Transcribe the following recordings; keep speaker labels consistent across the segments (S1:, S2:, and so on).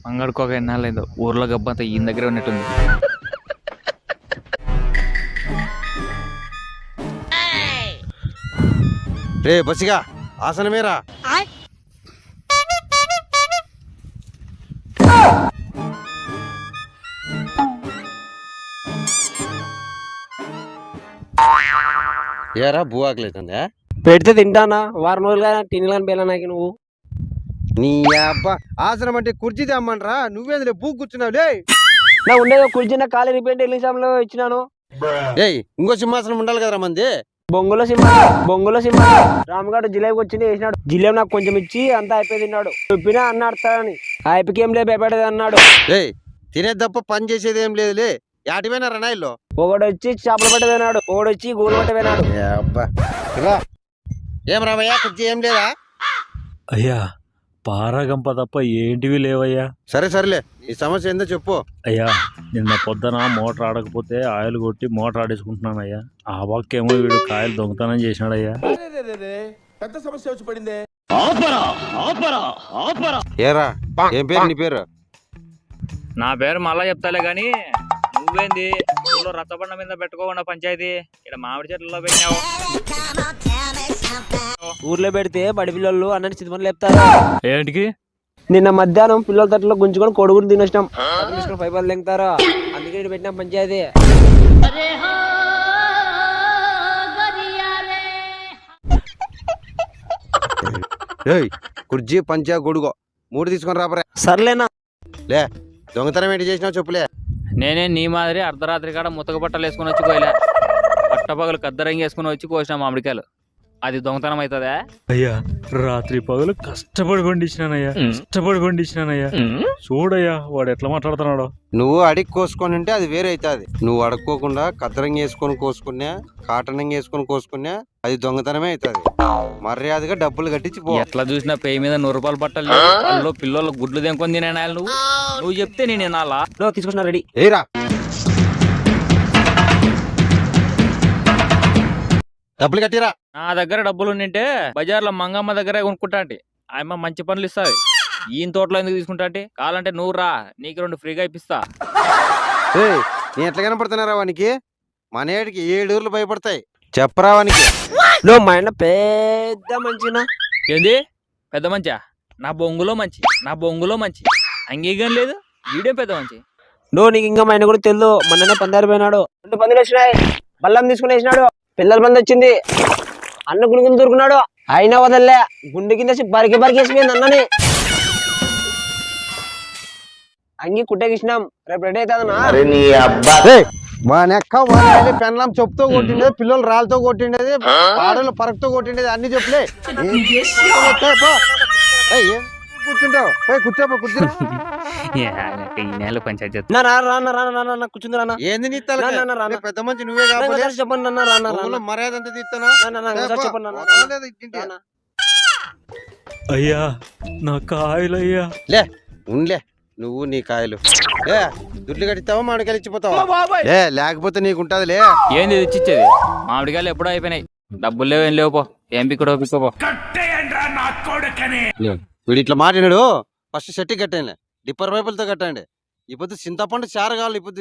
S1: మంగడుకోక ఎన్నాళ్ళైందో ఊర్లో గబ్బంతా ఈయన దగ్గర ఉన్నట్టుంది.
S2: రే బసిగా ఆసనమేరా. ఏరా భూ ఆకలేతుందా?
S3: పెడితే తింటానా వారం రోజులుగా తినలేని పేలా నాకు నువ్వు.
S2: నీ అబ్బా ఆసనం అంటే కుర్చీ తెమ్మనరా, నువ్వేందులే భూ కూర్చున్నావులే.
S3: నా ఉండేది కుర్చీ నా ఖాళీ రిపేర్ ఎల్లింగ్ ఇచ్చినాను.
S2: ఏయ్ ఇంకో సింహాసనం ఉండాలి కదరా మంది.
S3: బొంగులో సింహ రామగాడు జిలేబికి వచ్చింది వేసినాడు. జిలేబి నాకు కొంచెం ఇచ్చి అంతా అయిపోయి తిన్నాడు. చెప్పినా అన్న అడతాడని అయిపోయి ఏం లేదు భయపడేది అన్నాడు.
S2: ఏయ్ తినేది తప్ప పని చేసేది ఏం లేదులే. యాటిపోయినా రణాయిల్లో
S3: ఒకడు వచ్చి చేపలు పట్ట పోయినాడు, ఒకడు వచ్చి గోలు పట్ట పోయినాడు.
S2: ఏం రామయ్యా కుర్చీ ఏం లేదా?
S4: అయ్యా పారగంప తప్ప ఏంటివి లేవయ్యా.
S2: సరే సరేలే ఈ సమస్య ఏందో చెప్పు.
S4: అయ్యా నిన్న పొద్దున మోటార్ ఆడకపోతే ఆయిల్ కొట్టి మోటార్ ఆడేసుకుంటున్నాను అయ్యా. ఆ పక్కేమో వీడు కాయలు దొంగతనం చేసినాడయ్యా.
S5: పెద్ద సమస్య వచ్చి పడిందే.
S2: ఏరా ఏం పేరు నీ పేరు?
S1: నా పేరు మళ్ళా చెప్తాలే గాని నువ్వేంది ఊళ్ళో రచ్చబండ మీద పెట్టుకోకుండా పంచాయతీ ఇక్కడ మామిడి చెట్లలో పెట్టినావు.
S3: ఊర్లో పెడితే బడి పిల్లలు అన్నని చిత్మని లేపుతారు.
S1: ఏంటికి?
S3: నిన్న మధ్యాహ్నం పిల్లల తట్లో గుంజుకొని కొడుకుని తినేసినాం. తీసుకొని పైపాలు లెంగుతారు, అందుకే ఇటు పెట్టినాం పంచాయతీ.
S2: ఏయ్ కుర్జీ పంచా గొడుగో 3 తీసుకొని రాబరే.
S3: సర్లేనా
S2: లే దొంగతనం ఏంటి చేసినావు చెప్పులే.
S1: నేనే నీ మాదిరి అర్ధరాత్రి కాడ ముతక బట్టలు వేసుకుని వచ్చి కోయలే, పట్టపగలు కద్దరంగి వేసుకుని వచ్చి కోసిన మామిడికాయలు. అది దొంగతనం అవుతుందా?
S4: అయ్యా రాత్రి పగలు కష్టపడి పండించినానయ్యా. చూడయ్యా వాడు ఎట్లా మాట్లాడుతున్నాడో.
S2: నువ్వు అడిగి కోసుకొని ఉంటే అది వేరే అవుతుంది. నువ్వు అడుక్కోకుండా కద్దరంగి వేసుకొని కోసుకున్నా, కాటనంగి వేసుకొని కోసుకున్నా అది దొంగతనమే అవుతుంది. మర్యాదగా డబ్బులు కట్టించి పో.
S1: ఎట్లా చూసినా పేయి మీద 100 రూపాయలు బట్టలు అందులో పిల్లలు గుడ్లు తెంకొని తినే నువ్వు చెప్తే నేను వినాలా?
S3: తీసుకొచ్చిన రెడీ.
S2: ఏరా డబ్బులు కట్టిరా.
S1: నా దగ్గర డబ్బులు ఉండింటే బజార్లో మంగమ్మ దగ్గర కొనుక్కుంటా అంటే ఆయమ్మ మంచి పనులు ఇస్తుంది. ఈయన తోటలో ఎందుకు తీసుకుంటా అంటే కావాలంటే నువ్వు రా, నీకు 2 ఫ్రీగా ఇప్పిస్తా.
S2: నేను ఎట్లా కనపడుతున్నారా వానికి? మనేడికి 7 ఊర్లు భయపడతాయి చెప్పరా వానికి.
S3: నువ్వు మా ఆయన పెద్ద మంచినా.
S1: ఏంది పెద్ద మంచా? నా బొంగులో మంచి అంగీకం లేదు. వీడియో పెద్ద మంచి.
S3: నువ్వు నీకు ఇంకా మా ఆయన కూడా తెలియదు. మొన్ననే పందారు పోయినాడు, 2 పందులు వచ్చినాయి, బల్లం తీసుకుని వేసినాడు, పిల్లల పంది వచ్చింది, అన్న గుణుగులు దొరుకున్నాడు. అయినా వదల్లే, గుండె కింద బరికేసిపోయింది అన్నని. అంగి కుట్టేకిచ్చినాం, రేపు రెడీ అవుతుందన్నా.
S2: మా నెక్క పెన్లం చెప్పుతో కొట్టిండేది, పిల్లలు రాళ్ళతో కొట్టిండేది, ఆడలు పరకతో కొట్టిండేది, అన్ని చెప్పులే. కూర్చుంటావు పోయి కూర్చోపో. కూర్చురా
S3: కూర్చుంది రానా.
S2: ఏంది నీ తల పెద్ద మంచి నువ్వే కావాలి.
S3: చెప్పండి
S2: మర్యాద అంతా తీస్తానా?
S3: చెప్పండి.
S4: అయ్యా నా కాయలు అయ్యా.
S2: లే ఉంలే నువ్వు నీ కాయలు. లే దుడ్లు కట్టిస్తావా మామిడికాయలు ఇచ్చిపోతావా? లే లేకపోతే నీకుంటదిలే.
S1: ఏంది ఇచ్చిచ్చేది? మామిడికాయలు ఎప్పుడో అయిపోయినాయి, డబ్బులు లేవు, ఏం లేవు. పో ఏం పిక్కడో పిక్కపో.
S2: వీడు ఇట్లా మాట్లాడు. ఫస్ట్ సెట్టి కట్టండి, డిప్పర్ పైపులతో కట్టండి. ఇప్పుడు చింతపండు చారు కావాలి. ఇప్పుడు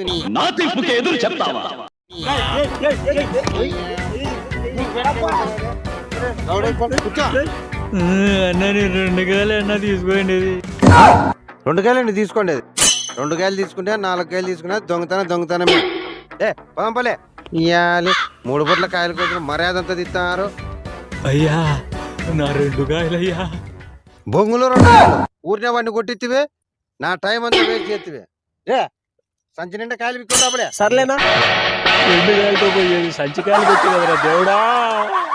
S4: అన్న 2 కాయలు అన్న తీసుకోండి.
S2: 2 కాయలండి తీసుకోండి. 2 కాయలు తీసుకుంటే 4 కాయలు తీసుకున్నా దొంగతనమే. పంపలే ఇయ్యాలి 3 పూట్ల కాయలు కోసం మర్యాద అంతా తీస్తున్నారు.
S4: అయ్యా నా 2 కాయలు అయ్యా.
S2: బొంగులో 2 కాయలు ఊరినే వాడిని కొట్టిత్తివే, నా టైం అంతా వేస్ట్ చేతివే. సంచి నిండా కాయలు పిక్కుంటాపులే.
S3: సర్లేనా
S4: 2 కాయలతో పోయేది సంచి కాయలు పెట్టి కదరా దేవుడా.